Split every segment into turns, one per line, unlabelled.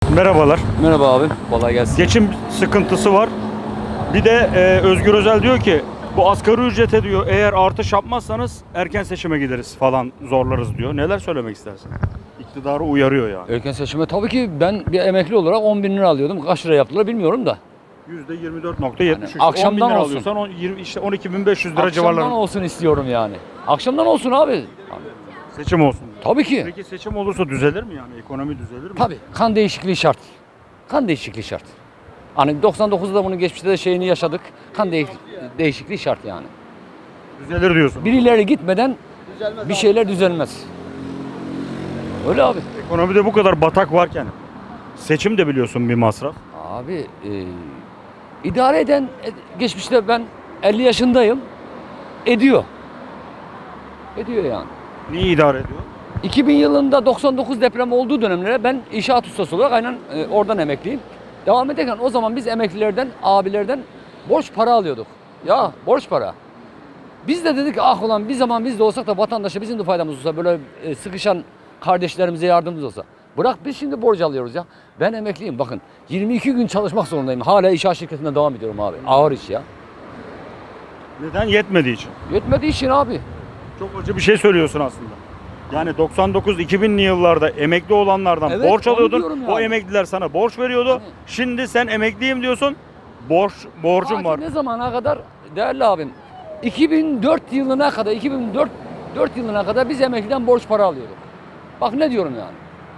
Merhabalar.
Merhaba abi, kolay gelsin.
Geçim sıkıntısı var. Bir de Özgür Özel diyor ki bu asgari ücrete diyor eğer artış yapmazsanız erken seçime gideriz falan zorlarız diyor. Neler söylemek istersin? İktidarı uyarıyor yani.
Erken seçime tabii ki ben bir emekli olarak 10 bin lira alıyordum. Kaç lira yaptılar bilmiyorum da.
%24.73.
Yani akşamdan
10 bin lira
olsun.
alıyorsan 20, işte 12.500 lira
Akşamdan
civarlarında.
olsun istiyorum yani. Akşamdan olsun abi.
Seçim olsun.
Tabii ki.
Peki seçim olursa düzelir mi yani? Ekonomi düzelir mi?
Tabii kan değişikliği şart. Kan değişikliği şart. Hani 99'da bunu geçmişte de şeyini yaşadık. Değişikliği şart yani.
Düzelir diyorsun.
Birileri gitmeden bir şeyler düzelmez. Öyle abi.
Ekonomide bu kadar batak varken seçim de biliyorsun bir masraf.
Abi idare eden geçmişte ben 50 yaşındayım. Ediyor. Ediyor yani.
Neyi idare ediyor?
2000 yılında 99 deprem olduğu dönemlere ben inşaat ustası olarak aynen oradan emekliyim. Devam ederken o zaman biz emeklilerden, abilerden borç para alıyorduk. Ya borç para. Biz de dedik ah ulan bir zaman biz de olsak da vatandaşa bizim de faydamız olsa böyle sıkışan kardeşlerimize yardımımız olsa. Bırak biz şimdi borç alıyoruz ya. Ben emekliyim bakın 22 gün çalışmak zorundayım. Hala inşaat şirketinde devam ediyorum abi. Ağır iş ya.
Neden? Yetmediği için.
Yetmediği için abi.
Çok acı bir şey söylüyorsun aslında. Yani 99-2000'li yıllarda emekli olanlardan
Evet,
borç
onu
alıyordun.
diyorum
O
yani.
emekliler sana borç veriyordu.
Hani-
Şimdi sen emekliyim diyorsun. Borcum
Ta ki
var.
ne zamana kadar değerli abim 2004 yılına kadar 2004 yılına kadar biz emekliden borç para alıyorduk. Bak ne diyorum yani.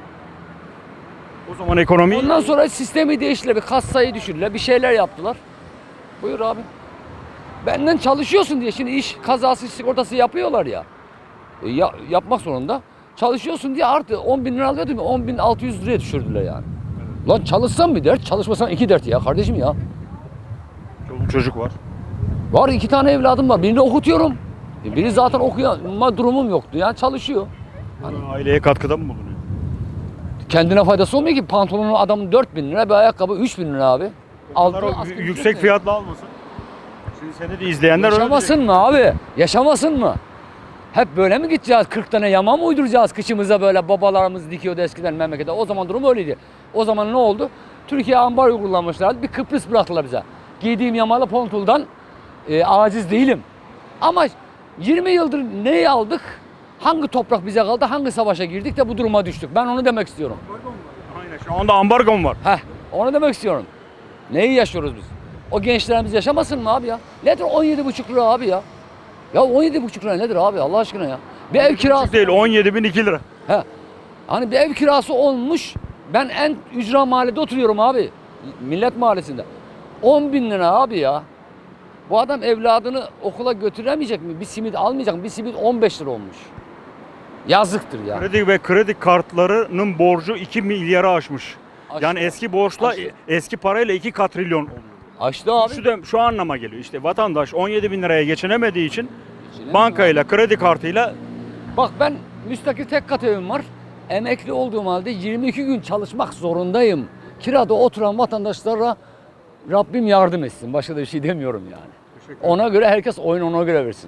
O zaman ekonomi
Ondan sonra sistemi değiştiler, bir kassayı düşürdüler, bir şeyler yaptılar. Buyur abi. Benden çalışıyorsun diye şimdi iş kazası sigortası yapıyorlar ya. Yapmak zorunda. Çalışıyorsun diye artı 10 bin lira alıyordum ya 10 bin 600 liraya düşürdüler yani. Lan çalışsam bir dert, çalışmasam iki dert ya kardeşim ya.
çoluk çocuk var.
Var 2 tane evladım var. Birini okutuyorum. Biri zaten okuyama durumum yoktu ya çalışıyor.
Aileye katkıda mı bulunuyor?
Kendine faydası olmuyor ki pantolonu adamın 4 bin lira bir ayakkabı 3 bin lira abi.
Bunlar o
asgari
yüksek
ücret ne?
fiyatlı almasın. Şimdi seni de izleyenler öyle
Yaşamasın
diyecek.
mı abi? Yaşamasın mı? Hep böyle mi gideceğiz? 40 tane yama mı uyduracağız kışımıza böyle babalarımız dikiyordu eskiden memlekette. O zaman durum öyleydi. O zaman ne oldu? Türkiye ambargo kullanmışlardı. Bir Kıbrıs bıraktılar bize. Giydiğim yamalı pontuldan aciz değilim. Ama 20 yıldır neyi aldık? Hangi toprak bize kaldı? Hangi savaşa girdik de bu duruma düştük? Ben onu demek istiyorum.
Aynen şu anda ambargo var.
Heh, onu demek istiyorum. Neyi yaşıyoruz biz? O gençlerimiz yaşamasın mı abi ya? Nedir 17,5 lira abi ya? Ya 17,5 lira nedir abi Allah aşkına ya? Bir ev kirası
Değil 17.002 lira.
He. Hani bir ev kirası olmuş. Ben en ücra mahallede oturuyorum abi. Millet Mahallesi'nde. 10 bin lira abi ya. Bu adam evladını okula götüremeyecek mi? Bir simit almayacak mı? Bir simit 15 lira olmuş. Yazıktır ya.
Kredi ve kredi kartlarının borcu 2 milyarı aşmış.
Aştı.
Yani eski borçla
Aştı.
eski parayla 2 katrilyon oluyor.
Açtı abi.
Şu anlama geliyor. İşte vatandaş 17 bin liraya geçinemediği için
Geçinemiyor
bankayla, kredi kartıyla
Bak ben müstakil tek kat evim var. Emekli olduğum halde 22 gün çalışmak zorundayım. Kirada oturan vatandaşlara Rabbim yardım etsin. Başka da bir şey demiyorum yani. Ona göre herkes oyunu ona göre versin.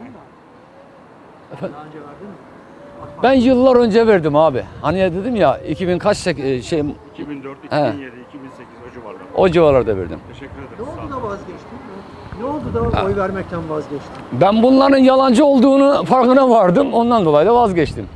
Efendim? Ben yıllar önce verdim abi. Hani ya dedim ya 2000 kaç şey
2004, 2007, 2008 o civarlarda.
o civarlarda verdim.
Teşekkür ederim.
Ne oldu da vazgeçtin? Ne oldu da oy vermekten vazgeçtin?
Ben bunların yalancı olduğunu farkına vardım. Ondan dolayı da vazgeçtim.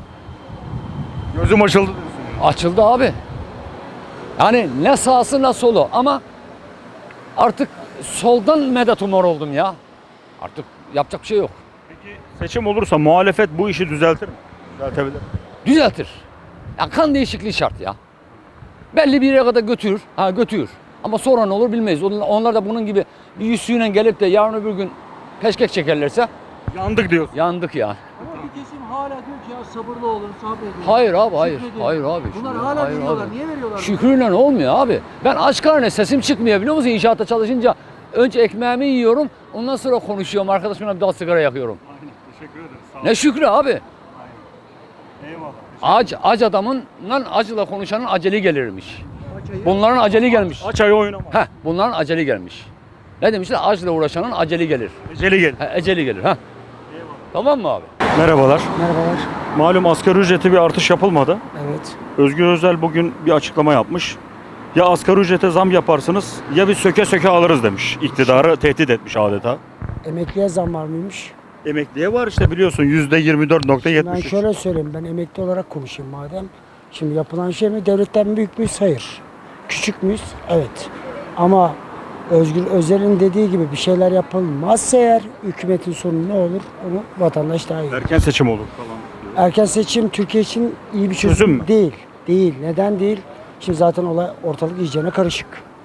Gözüm açıldı diyorsun.
Açıldı abi. Yani ne sağsı ne solu ama artık soldan medet umar oldum ya. Artık yapacak bir şey yok.
Peki seçim olursa muhalefet bu işi düzeltir mi? Düzeltebilir mi?
Düzeltir. Ya kan değişikliği şart ya. Belli bir yere kadar götürür. Ha götürür. Ama sonra ne olur bilmeyiz. Onlar da bunun gibi bir yüzüğüyle gelip de yarın öbür gün peşkek çekerlerse
Yandık diyorsun.
yandık ya.
Ama bir kesim hala diyor ki ya sabırlı olun, sabredin.
Hayır abi hayır.
Şükredin.
Hayır abi.
Bunlar
Şükür-
hala
hayır
veriyorlar.
abi.
Niye veriyorlar?
Şükrüyle olmuyor abi. Ben aç karnına sesim çıkmıyor biliyor musun? İnşaatta çalışınca önce ekmeğimi yiyorum. Ondan sonra konuşuyorum. Arkadaşımla bir daha sigara yakıyorum.
Aynen. Teşekkür ederim. Sağ ol.
Ne şükrü abi.
Eyvallah.
Ac adamın acıyla konuşanın aceli gelirmiş.
Paçayı-
Bunların aceli gelmiş.
Aç ayı oynama.
Heh, bunların aceli gelmiş. Ne demişler? Acıyla uğraşanın aceli gelir.
Eceli gel.
Eceli gelir. Ha. Tamam mı abi?
Merhabalar.
Merhabalar.
Malum asgari ücrete bir artış yapılmadı.
Evet.
Özgür Özel bugün bir açıklama yapmış. Ya asgari ücrete zam yaparsınız ya biz söke söke alırız demiş. İktidarı tehdit etmiş adeta.
Emekliye zam var mıymış?
Emekliye var işte biliyorsun %24.73.
Ben şöyle söyleyeyim, ben emekli olarak konuşayım madem. Şimdi yapılan şey mi? Devletten büyük müyüz? Hayır. Küçük müyüz? Evet. Ama Özgür Özel'in dediği gibi bir şeyler yapılmazsa eğer hükümetin sonu ne olur? Onu vatandaş daha iyi.
Erken seçim olur falan.
Erken seçim Türkiye için iyi bir
Çözüm
çözüm
mü?
değil. Değil. Neden değil? Şimdi zaten olay ortalık iyicene karışık.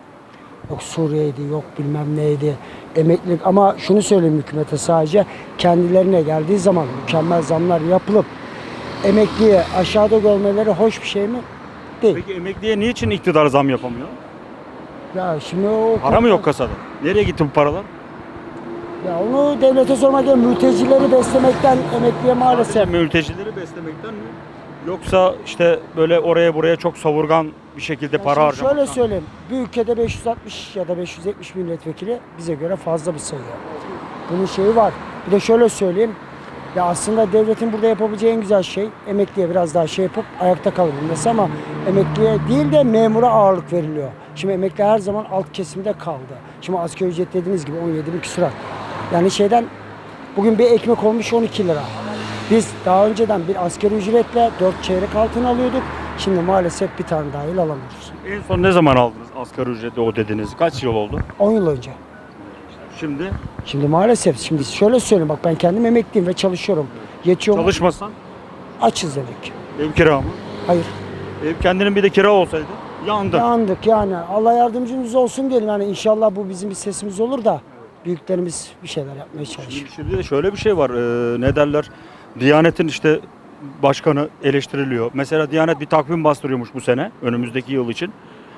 Yok Suriye'ydi, yok bilmem neydi. Emeklilik ama şunu söyleyeyim hükümete sadece kendilerine geldiği zaman mükemmel zamlar yapılıp emekliye aşağıda görmeleri hoş bir şey mi? Değil.
Peki emekliye niçin iktidar zam yapamıyor?
Ya şimdi o
Para mı yok kasada? Nereye gitti bu paralar?
Ya onu devlete sormak gerekiyor. Mültecileri beslemekten emekliye maalesef.
Sadece mültecileri beslemekten mi? Yoksa işte böyle oraya buraya çok savurgan bir şekilde
Ya
para
şimdi
harcamaktan
şöyle
mı?
söyleyeyim. Bir ülkede 560 ya da 570 milletvekili bize göre fazla bir sayı. Bunun şeyi var. Bir de şöyle söyleyeyim. Ya aslında devletin burada yapabileceği en güzel şey emekliye biraz daha şey yapıp ayakta kalabilmesi ama emekliye değil de memura ağırlık veriliyor. Şimdi emekli her zaman alt kesimde kaldı. Şimdi asgari ücret dediğiniz gibi 17 bin küsurat. Yani şeyden bugün bir ekmek olmuş 12 lira. Biz daha önceden bir asgari ücretle 4 çeyrek altın alıyorduk. Şimdi maalesef bir tane dahil alamıyoruz.
En son ne zaman aldınız asgari ücreti o dediniz? Kaç yıl oldu?
10 yıl önce.
Şimdi
Şimdi maalesef şimdi şöyle söyleyeyim bak ben kendim emekliyim ve çalışıyorum. Yetiyor mu?
çalışmasan
Açız dedik.
ev kira mı?
Hayır.
Ev kendinin bir de kira olsaydı yandın.
Yandık yani. Allah yardımcımız olsun diyelim. Yani inşallah bu bizim bir sesimiz olur da büyüklerimiz bir şeyler yapmaya çalışır.
Şimdi de şöyle bir şey var. Ne derler? Diyanet'in işte başkanı eleştiriliyor. Mesela Diyanet bir takvim bastırıyormuş bu sene önümüzdeki yıl için.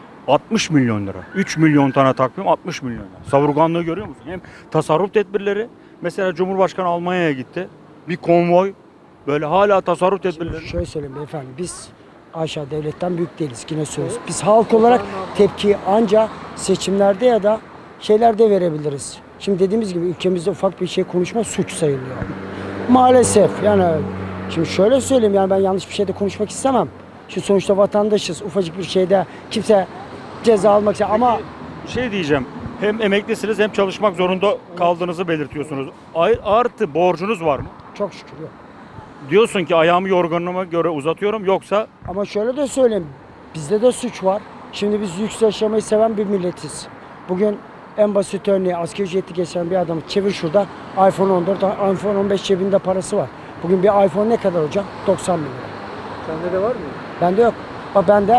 60 milyon lira. 3 milyon tane takvim 60 milyon lira. Savurganlığı görüyor musun? Hem tasarruf tedbirleri. Mesela Cumhurbaşkanı Almanya'ya gitti. Bir konvoy. Böyle hala tasarruf tedbirleri.
Şöyle söyleyeyim beyefendi. Biz aşağı devletten büyük değiliz. Yine söylüyoruz. Biz halk olarak tepkiyi ancak seçimlerde ya da şeylerde verebiliriz. Şimdi dediğimiz gibi ülkemizde ufak bir şey konuşma suç sayılıyor. Maalesef yani şimdi şöyle söyleyeyim yani ben yanlış bir şeyde konuşmak istemem. Şu sonuçta vatandaşız. Ufacık bir şeyde kimse ceza almak ister ama
Bir şey diyeceğim. Hem emeklisiniz hem çalışmak zorunda kaldığınızı belirtiyorsunuz. Artı borcunuz var mı?
çok şükür yok.
Diyorsun ki ayağımı yorganıma göre uzatıyorum yoksa
Ama şöyle de söyleyeyim. Bizde de suç var. Şimdi biz lüks yaşamayı seven bir milletiz. Bugün en basit örneği asgari ücretli geçen bir adamı çevir şurada iPhone 14, iPhone 15 cebinde parası var. Bugün bir iPhone ne kadar hocam? 90 bin lira.
Sende de var mı?
Bende yok. Bak bende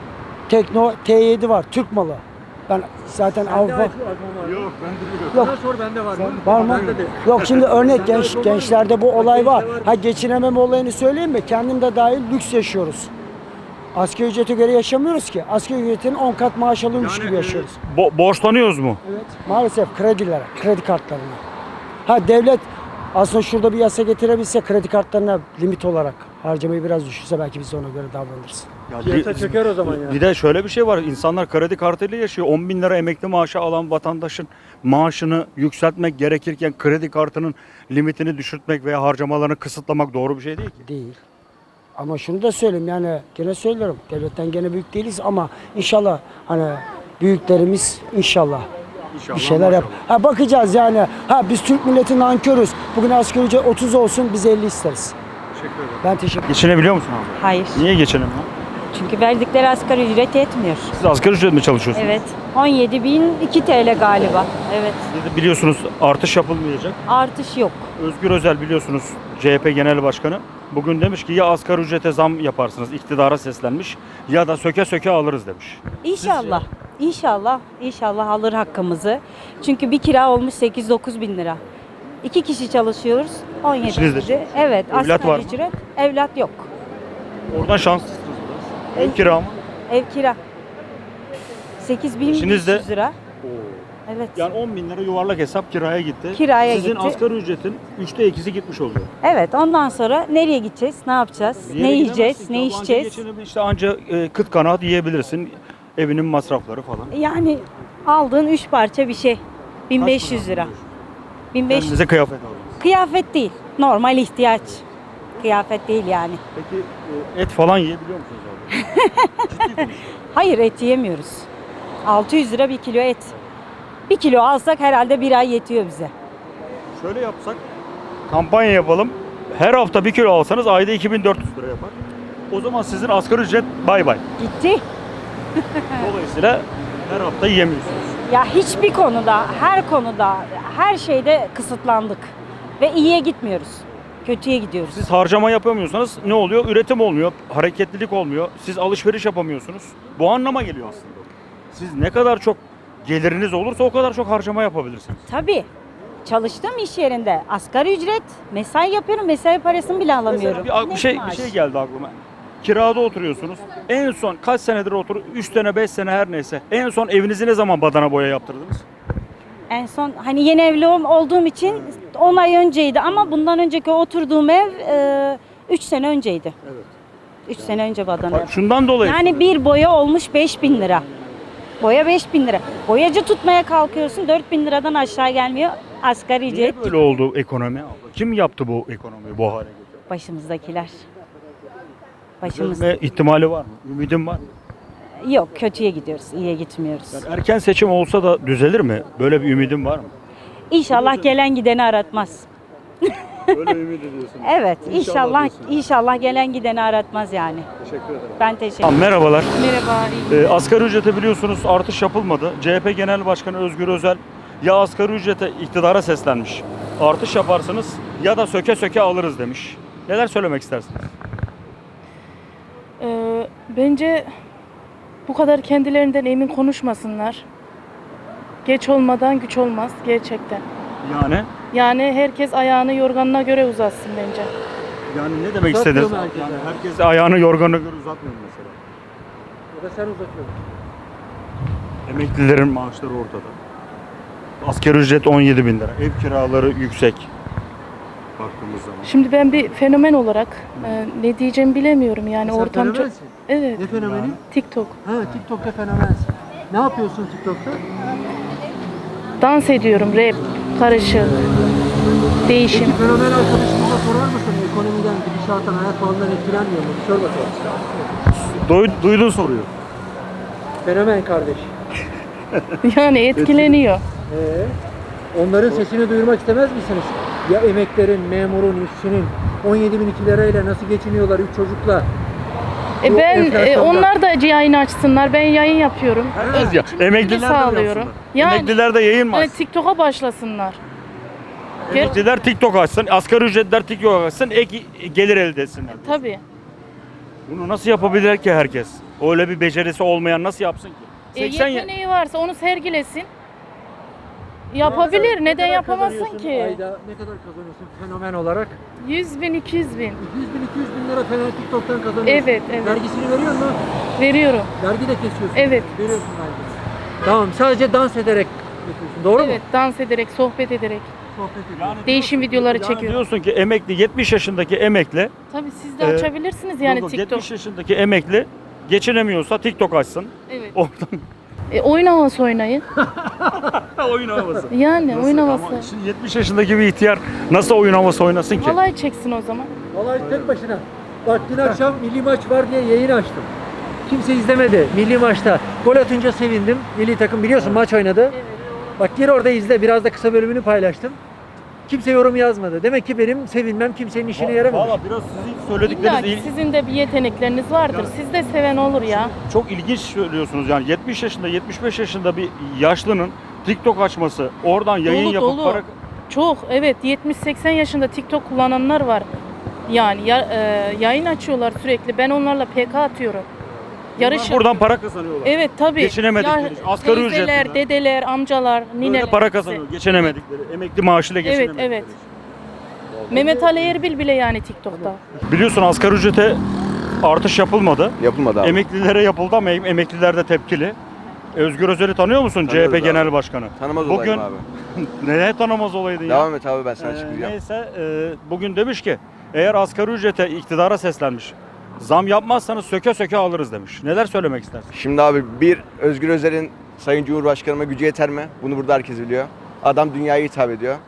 Tekno T7 var. Türk malı. Ben zaten Avrupa...
yok ben de
Yok.
Bana sor bende var mı?
Var mı?
Bende de.
Yok şimdi örnek
Sende iPhone var mı?
gençlerde bu olay var.
Gençte var.
Ha geçinememe olayını söyleyeyim mi? Kendim de dahil lüks yaşıyoruz. Asgari ücrete göre yaşamıyoruz ki. Asgari ücretin 10 kat maaş alıyormuş gibi yaşıyoruz.
borçlanıyoruz mu?
Evet. Maalesef kredilere, kredi kartlarına. Ha devlet aslında şurada bir yasa getirebilse kredi kartlarına limit olarak harcamayı biraz düşürse belki biz de ona göre davranırız.
Ya
Piyasa çöker o zaman ya.
Bir de şöyle bir şey var. İnsanlar kredi kartıyla yaşıyor. 10 bin lira emekli maaşı alan vatandaşın maaşını yükseltmek gerekirken kredi kartının limitini düşürtmek veya harcamalarını kısıtlamak doğru bir şey değil ki.
Değil. Ama şunu da söyleyeyim yani gene söylüyorum devletten gene büyük değiliz ama inşallah hani büyüklerimiz inşallah bir şeyler yap. Ha bakacağız yani. Ha biz Türk milleti nankörüz. Bugün asgari ücret 30 olsun biz 50 isteriz.
Teşekkür ederim.
Ben teşekkür ederim.
Geçinebiliyor musun abi?
Hayır.
Niye geçinemiyor?
Çünkü verdikleri asgari ücret yetmiyor.
Siz asgari ücret mi çalışıyorsunuz?
Evet. 17.002 TL galiba. Evet.
Siz de biliyorsunuz artış yapılmayacak.
Artış yok.
Özgür Özel biliyorsunuz CHP Genel Başkanı. Bugün demiş ki ya asgari ücrete zam yaparsınız, iktidara seslenmiş ya da söke söke alırız demiş.
İnşallah. İnşallah. İnşallah alır hakkımızı. Çünkü bir kira olmuş 8-9 bin lira. 2 kişi çalışıyoruz. 17
İçiniz de
kişi. Evet.
Evlat
asgari
var mı?
ücret. Evlat yok.
Oradan şanslısınız biraz. Ev kira mı?
Ev kira. 8.500
de-
lira. Evet.
Yani 10 bin lira yuvarlak hesap kiraya gitti.
Kiraya
Sizin
gitti.
asgari ücretin 3'te 2'si gitmiş oluyor.
Evet. Ondan sonra nereye gideceğiz? Ne yapacağız?
Bir yere
Ne yiyeceğiz?
gidemezsin
Ne
ki. Anca
içeceğiz?
geçinebil- İşte anca kıt kanaat yiyebilirsin. Evinin masrafları falan.
Yani aldığın 3 parça bir şey. 1500
para
lira.
alıyorsun?
1500.
Kendinize kıyafet aldınız.
Kıyafet değil. Normal ihtiyaç. Kıyafet değil yani.
Peki et falan yiyebiliyor musunuz abi? Ciddi konuşuyorum.
Hayır, et yiyemiyoruz. 600 lira 1 kilo et. 1 kilo alsak herhalde bir ay yetiyor bize.
Şöyle yapsak, kampanya yapalım. Her hafta 1 kilo alsanız ayda 2400 lira yapar. O zaman sizin asgari ücret bay bay.
Gitti.
Dolayısıyla her hafta yiyemiyorsunuz.
Ya hiçbir konuda, her konuda, her şeyde kısıtlandık. Ve iyiye gitmiyoruz. Kötüye gidiyoruz.
Siz harcama yapamıyorsanız ne oluyor? Üretim olmuyor, hareketlilik olmuyor. Siz alışveriş yapamıyorsunuz. Bu anlama geliyor aslında. Siz ne kadar çok geliriniz olursa o kadar çok harcama yapabilirsiniz.
Tabii. Çalıştığım iş yerinde asgari ücret, mesai yapıyorum, mesai parasını bile alamıyorum.
Mesela bir
Net
şey
maaş.
geldi aklıma. Kirada oturuyorsunuz. En son kaç senedir 3 sene 5 sene her neyse. En son evinizi ne zaman badana boya yaptırdınız?
En son hani yeni evli olduğum için 10 ay önceydi ama bundan önceki oturduğum ev 3 sene önceydi.
Evet.
3 sene önce badana yaptım.
Şundan dolayı.
Yani bir boya olmuş 5.000 lira. Boya 5.000 lira. Boyacı tutmaya kalkıyorsun 4.000 liradan aşağı gelmiyor. Asgari
Niye
ücret
böyle oldu ekonomi? Kim yaptı bu ekonomiyi bu hale getirdi?
başımızdakiler. Başımız
Düzelme ihtimali var mı? Ümidin var mı?
yok, kötüye gidiyoruz, iyiye gitmiyoruz.
Yani erken seçim olsa da düzelir mi? Böyle bir ümidin var mı?
İnşallah gelen gideni aratmaz.
Böyle ümit ediyorsun.
Evet,
İnşallah
inşallah
diyorsun.
gelen gideni aratmaz yani.
Teşekkür ederim.
Ben teşekkür
Tamam, merhabalar.
Merhaba.
Asgari ücrete biliyorsunuz artış yapılmadı. CHP Genel Başkanı Özgür Özel ya asgari ücrete iktidara seslenmiş. Artış yaparsınız ya da söke söke alırız demiş. Neler söylemek istersiniz?
Bence bu kadar kendilerinden emin konuşmasınlar. Geç olmadan güç olmaz gerçekten.
Yani
Yani herkes ayağını yorganına göre uzatsın bence.
yani ne demek
Uzatmıyor
istediniz?
mu herkes
Yani
yani?
herkes ayağını yorganına göre uzatmıyor mu mesela.
Ya da sen uzatıyorsun.
Emeklilerin maaşları ortada. Asgari ücret 17 bin lira. Ev kiraları yüksek. Baktığımız zaman.
Şimdi ben bir fenomen olarak ne diyeceğimi bilemiyorum yani
Sen
ortam çok...
fenomensin.
Evet,
Ne fenomeni?
TikTok.
Ha, TikTok'ta fenomensin. Ne yapıyorsun TikTok'ta?
Dans ediyorum, rap, karışık, değişim.
Peki fenomen arkadaşımıza sorar mısın? Ekonomiden, gidişattan, hayat pahalılığından etkilenmiyor mu? Bir sor bakalım.
Duydun soruyor.
Fenomen kardeş.
Yani etkileniyor.
Onların sesini duyurmak istemez misiniz? Ya emeklerin, memurun, işçinin 17.002 lirayla nasıl geçiniyorlar 3 çocukla? Bu
Ben
enflasyonda.
onlar da yayın açsınlar. Ben yayın yapıyorum.
Evet ya. Emekliler de
sağlıyorum.
yapsınlar.
Yani-
Emekliler de yayın mı
Yani
açsın?
TikTok'a başlasınlar.
Emekliler TikTok açsın, asgari ücretler TikTok açsın, ek gelir elde etsinler.
Tabii.
Bunu nasıl yapabilir ki herkes? Öyle bir becerisi olmayan nasıl yapsın ki? 80
Yeteneği varsa onu sergilesin. Yapabilir.
Ne
Neden
kadar
yapamazsın
kazanıyorsun
ki?
Ayda ne kadar kazanıyorsun fenomen olarak?
100 bin, 200 bin
200 bin, 200 bin lira fenomen TikTok'tan kazanıyorsun.
Evet, evet.
Vergisini veriyor musun?
veriyorum.
Vergi de kesiyorsun.
Evet.
Veriyorsun vergisini. Tamam, sadece dans ederek yapıyorsun. Doğru
Evet,
mu?
dans ederek, sohbet ederek.
Sohbet ediyorsun.
Değişim videoları
Yani
çekiyorum.
diyorsun ki emekli, 70 yaşındaki emekli,
Tabii siz de
Ee,
açabilirsiniz yani
yok,
TikTok.
70 yaşındaki emekli geçinemiyorsa TikTok açsın.
Evet.
Oradan
Oyun havası oynayın.
oyun havası.
Yani oyun
Nasıl?
havası.
Ama şimdi 70 yaşındaki bir ihtiyar nasıl oyun havası oynasın ki?
Halay çeksin o zaman.
Vallahi tek başına. Bak dün akşam milli maç var diye yayın açtım. Kimse izlemedi milli maçta. Gol atınca sevindim. Milli takım biliyorsun maç oynadı. Bak gir orada izle. Biraz da kısa bölümünü paylaştım. Kimse yorum yazmadı. Demek ki benim sevinmem kimsenin işine yaramamış.
Valla biraz sizin
İlla
söyledikleriniz
ki sizin de bir yetenekleriniz vardır. Siz de seven olur ya.
çok ilginç söylüyorsunuz. Yani 70 yaşında, 75 yaşında bir yaşlının TikTok açması, oradan yayın
Dolu,
yapıp
dolu.
para...
Çok, evet, 70-80 yaşında TikTok kullananlar var. Yani yayın açıyorlar sürekli. Ben onlarla PK atıyorum. Yarış
Buradan para kazanıyorlar.
Evet tabii.
Geçinemedikleri için. Asgari
teyzeler,
ücretle.
dedeler, amcalar,
Böyle
nineler.
para
hepsi.
kazanıyor. Geçinemedikleri. Emekli maaşıyla
Evet,
geçinemedikleri.
evet. Mehmet Ali Erbil bile yani TikTok'ta.
Biliyorsun asgari ücrete artış yapılmadı.
Yapılmadı abi.
Emeklilere yapıldı ama emekliler de tepkili. Özgür Özel'i tanıyor musun?
Tanıyoruz
CHP
abi.
Genel Başkanı.
Tanımaz
Bugün
olayım abi.
neye tanımaz olaydın ya?
Devam et abi ben sana çıkacağım.
Neyse bugün demiş ki eğer asgari ücrete iktidara seslenmiş. Zam yapmazsanız söke söke alırız demiş. Neler söylemek istersin?
Şimdi abi bir Özgür Özel'in Sayın Cumhurbaşkanıma gücü yeter mi? Bunu burada herkes biliyor. Adam dünyaya hitap ediyor.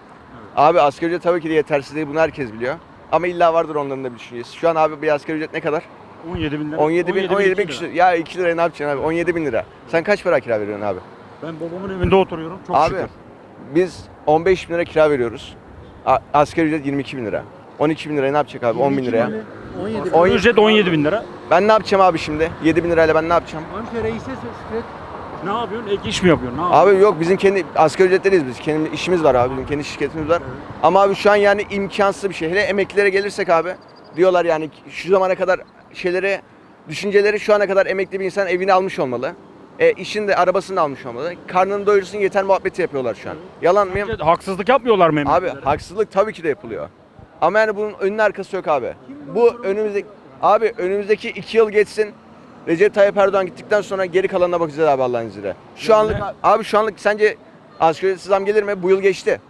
Abi asgari ücret tabii ki de yetersiz değil, bunu herkes biliyor. Ama illa vardır onların da bir düşüncesi. Şu an abi bir asgari ücret ne kadar?
17 bin lira.
17 bin
2 lira.
küsur. Ya 2 liraya ne yapacaksın abi? 17 bin lira. Sen kaç para kira veriyorsun abi?
Ben babamın evinde oturuyorum. Çok
Abi
şükür.
biz 15 bin lira kira veriyoruz. Asgari ücret 22 bin lira. 12 bin liraya ne yapacak abi? 10 bin liraya.
17
On-
Ücret 17 bin lira.
Ben ne yapacağım abi şimdi? 7 bin lirayla ben ne yapacağım?
Amca reise söz.
Ne yapıyorsun? Ek iş mi yapıyorsun? Ne yapıyorsun?
Abi yok, bizim kendi asgari ücretleriyiz biz. Kendi işimiz var abi. Bizim kendi şirketimiz var. Ama abi şu an yani imkansız bir şey. Hele emeklilere gelirsek abi, diyorlar yani şu zamana kadar şeylere, düşünceleri şu ana kadar emekli bir insan evini almış olmalı. İşini de arabasını da almış olmalı. Karnını doyursun yeter muhabbeti yapıyorlar şu an. Yalan mı?
Bence haksızlık yapmıyorlar mı
Abi
emeklilere?
haksızlık tabii ki de yapılıyor. Ama yani bunun önünün arkası yok abi. Bu önümüzdeki 2 yıl geçsin. Recep Tayyip Erdoğan gittikten sonra geri kalanına bakacağız abi Allah'ın izniyle. Şu anlık abi şu anlık sence asgari ücretsiz zam gelir mi? Bu yıl geçti.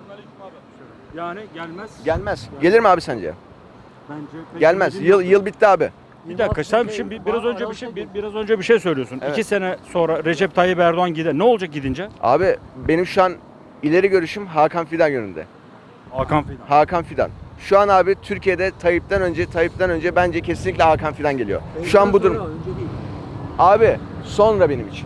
Yani gelmez.
Gelmez. Gelir mi abi sence?
Bence
Gelmez. Yıl bitti abi.
Bir dakika sen şimdi biraz önce bir şey söylüyorsun.
Evet.
2 sene sonra Recep Tayyip Erdoğan gider. Ne olacak gidince?
Abi benim şu an ileri görüşüm Hakan Fidan yönünde.
Hakan Fidan.
Hakan Fidan. Şu an abi Türkiye'de Tayyip'ten önce bence kesinlikle Hakan Fidan geliyor. Şu an bu durum.
Önce değil.
Abi sonra benim için.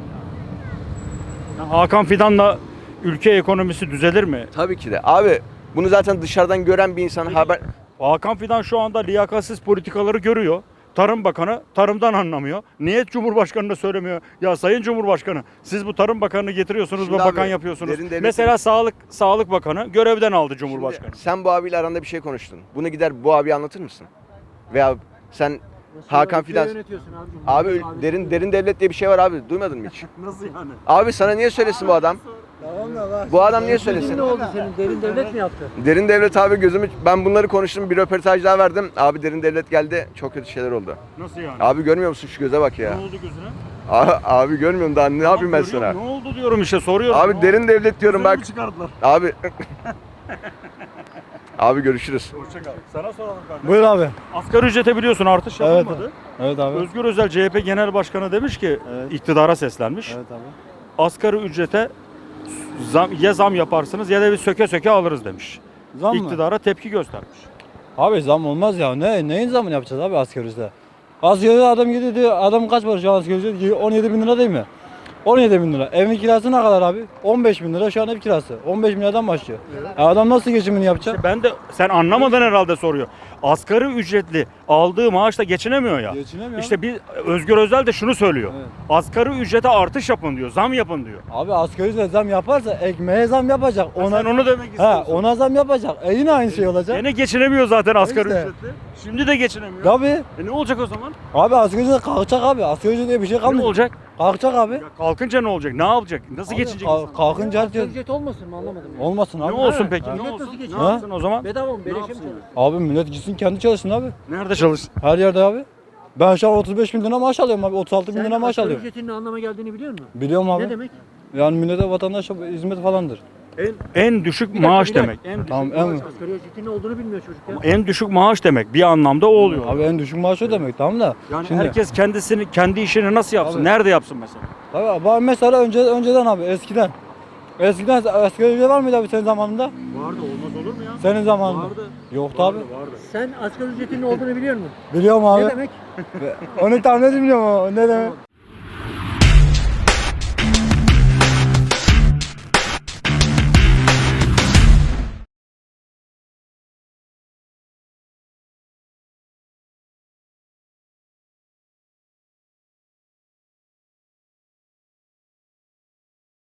Yani Hakan Fidan'la ülke ekonomisi düzelir mi?
Tabii ki de. Abi bunu zaten dışarıdan gören bir insan haber...
Hakan Fidan şu anda liyakatsiz politikaları görüyor. Tarım Bakanı tarımdan anlamıyor. Niye Cumhurbaşkanı'na söylemiyor? Ya Sayın Cumhurbaşkanı siz bu Tarım Bakanı'nı getiriyorsunuz
Şimdi
ve bakan
abi,
yapıyorsunuz.
derin devletin-
Mesela Sağlık Bakanı görevden aldı Cumhurbaşkanı.
Şimdi sen bu abiyle aranda bir şey konuştun. Bunu gider bu abiye anlatır mısın? Veya sen Hakan
Ülkeyi
Fidan...
yönetiyorsun abicim.
Abi derin devlet diye bir şey var abi. Duymadın mı hiç?
Nasıl yani?
Abi sana niye söylesin bu adam? Bu adam niye söylesin?
Ne oldu senin? Derin devlet mi yaptı?
Derin devlet abi ben bunları konuştum, bir röportaj daha verdim. Abi derin devlet geldi, çok kötü şeyler oldu.
Nasıl yani?
Abi görmüyor musun şu göze bak ya.
Ne oldu gözüne?
Abi görmüyorum daha ne yapayım ben sana?
Ne oldu diyorum işte soruyorum.
Abi derin devlet diyorum
Gözünü
bak.
mü çıkardılar?
Abi. Abi görüşürüz.
Hoşça kal. Sana soralım kardeşim.
Buyur abi.
Asgari ücrete biliyorsun artış
Evet.
yapılmadı.
Evet abi.
Özgür Özel CHP Genel Başkanı demiş ki
Evet.
iktidara seslenmiş.
Evet abi.
Asgari ücrete zam yaparsınız ya da bir söke söke alırız demiş.
Zam mı?
İktidara tepki göstermiş.
Abi zam olmaz ya. Neyin zamını yapacağız abi asgari ücrete? Asgari ücrete adam gidiyor diyor. Adam kaç para şu an asgari ücret? 17 bin lira değil mi? 17 bin lira. Evin kirası ne kadar abi? 15 bin lira şu an ev kirası. 15 bin liradan başlıyor. Adam nasıl geçimini yapacak?
Ben de sen anlamadan herhalde soruyor. Asgari ücretli aldığı maaşla geçinemiyor ya.
Geçinemiyor.
İşte bir Özgür Özel de şunu söylüyor.
Evet.
Asgari ücrete artış yapın diyor. Zam yapın diyor.
Abi asgari ücret zam yaparsa ekmeğe zam yapacak.
Sen onu demek
Ha,
istiyorsun.
ona zam yapacak. Yine aynı şey olacak.
Gene geçinemiyor zaten asgari
İşte.
ücretli. Şimdi de geçinemiyor.
Tabii.
Ne olacak o zaman?
Abi asgari ücret kalkacak abi. Asgari ücret diye bir şey
Ne
kalmayacak.
olacak?
Kalkacak abi.
Ya kalkınca ne olacak? Ne yapacak? Nasıl geçinecek? insan?
Kalkınca
Asgari
diyor.
ücret olmasın mı anlamadım. ya.
Olmasın
Ne
abi.
olsun peki?
Ha.
Ne
Millet
olsun?
nasıl
Ne
geçiniyor?
yapsın o zaman?
Bedava mı? Beleşe mi
yapsın?
çalışıyor?
Abi millet gitsin kendi çalışsın abi.
Nerede çalışsın?
Her yerde abi. Ben şu an 35 bin lira maaş alıyorum abi. 36 bin lira
Sen
maaş
asgari
alıyorum.
ücretin ne anlama geldiğini biliyor musun?
Biliyorum abi.
Ne demek?
Yani millete vatandaş hizmet falandır.
En düşük
dakika,
maaş
bir dakika.
demek. En düşük,
Tamam
Asgari ücretin ne olduğunu bilmiyor çocuk ya.
en düşük maaş demek. Bir anlamda o oluyor.
Abi en düşük maaş o demek tamam da.
Yani
şimdi,
herkes kendi işini nasıl yapsın?
Abi.
Nerede yapsın mesela?
Abi, ben mesela önceden abi eskiden. Eskiden asgari ücret var mıydı abi senin zamanında?
Vardı, olmaz olur mu ya?
Senin zamanında. Yoktu abi.
Sen asgari ücretin ne olduğunu biliyor musun?
Biliyorum abi.
Ne demek?
Onu tahmin edemiyorum ama ne demek?